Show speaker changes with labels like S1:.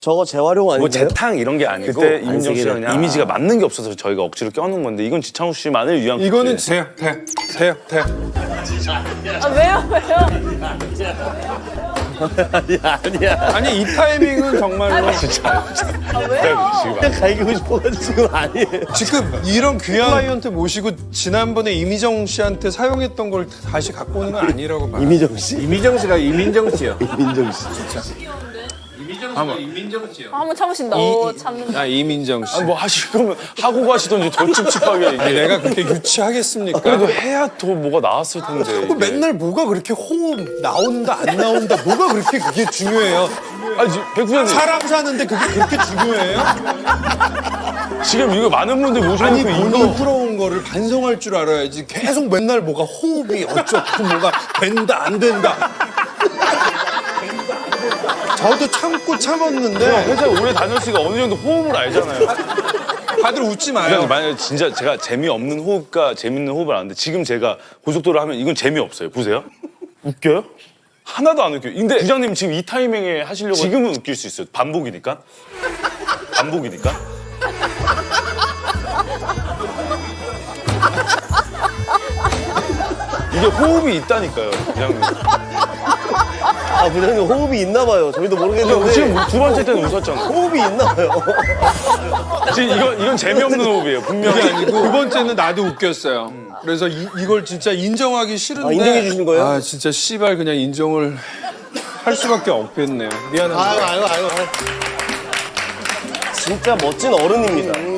S1: 저거 재활용 아닌가요?
S2: 뭐 재탕 이런 게 아니고 그때 이민정 씨가 그냥 이미지가 맞는 게 없어서 저희가 억지로 껴놓은 건데 이건 지창욱 씨만을 위한
S3: 이거는
S2: 굿즈예요.
S3: 돼요.
S4: 아, 왜요?
S1: 아니야.
S3: 아니 이 타이밍은 정말로
S4: 아, 왜요?
S1: 그냥 갈기고 싶어가지고 지금 아니에요.
S3: 지금 이런 귀한 클라이언트 모시고 지난번에 이미정 씨한테 사용했던 걸 다시 갖고 오는 건 아니라고 봐요.
S1: 이미정 씨?
S5: 이미정 씨가 이민정 씨요.
S1: 이민정 씨.
S4: 한번 참으신다. 오, 참는다.
S3: 아 이민정 씨.
S2: 아니 뭐 하실 거면 하고 가시던지 더 찝찝하게
S3: 아니,
S2: 이게.
S3: 내가 그렇게 유치하겠습니까?
S2: 그래도 해야 더 뭐가 나왔을 텐데.
S3: 그
S2: 이게.
S3: 맨날 뭐가 그렇게 호흡 나온다 안 나온다 뭐가 그렇게 그게 중요해요?
S2: 아니 백 부장님
S3: 사람 사는데 그게 그렇게 중요해요?
S2: 지금 이거 많은 분들
S3: 아니
S2: 모셔놓고
S3: 본인
S2: 이거
S3: 풀어온 거를 반성할 줄 알아야지. 계속 맨날 뭐가 호흡이 어쩌고 뭐가 된다 안 된다. 저도 참고 참았는데
S2: 회사에 오래 다녔으니까 어느 정도 호흡을 알잖아요.
S3: 다들 웃지
S2: 그냥
S3: 마요.
S2: 만약에 진짜 제가 재미없는 호흡과 재밌는 호흡을 아는데 지금 제가 고속도로 하면 이건 재미없어요. 보세요. 웃겨요? 하나도 안 웃겨요. 근데 부장님 지금 이 타이밍에 하시려고 지금은 웃길 수 있어요. 반복이니까. 반복이니까. 이게 호흡이 있다니까요, 부장님.
S1: 아, 부장님 호흡이 있나 봐요. 저희도 모르겠는데.
S2: 지금 두 번째 때는 웃었잖아.
S1: 호흡이 있나 봐요.
S2: 지금 이건 재미없는 호흡이에요, 분명히.
S3: 그게 아니고 두 번째는 나도 웃겼어요. 그래서 이걸 진짜 인정하기 싫은데
S1: 아, 인정해 주신 거예요?
S3: 아 진짜 씨발 그냥 인정을 할 수밖에 없겠네요. 미안합니다.
S1: 아유. 진짜 멋진 어른입니다.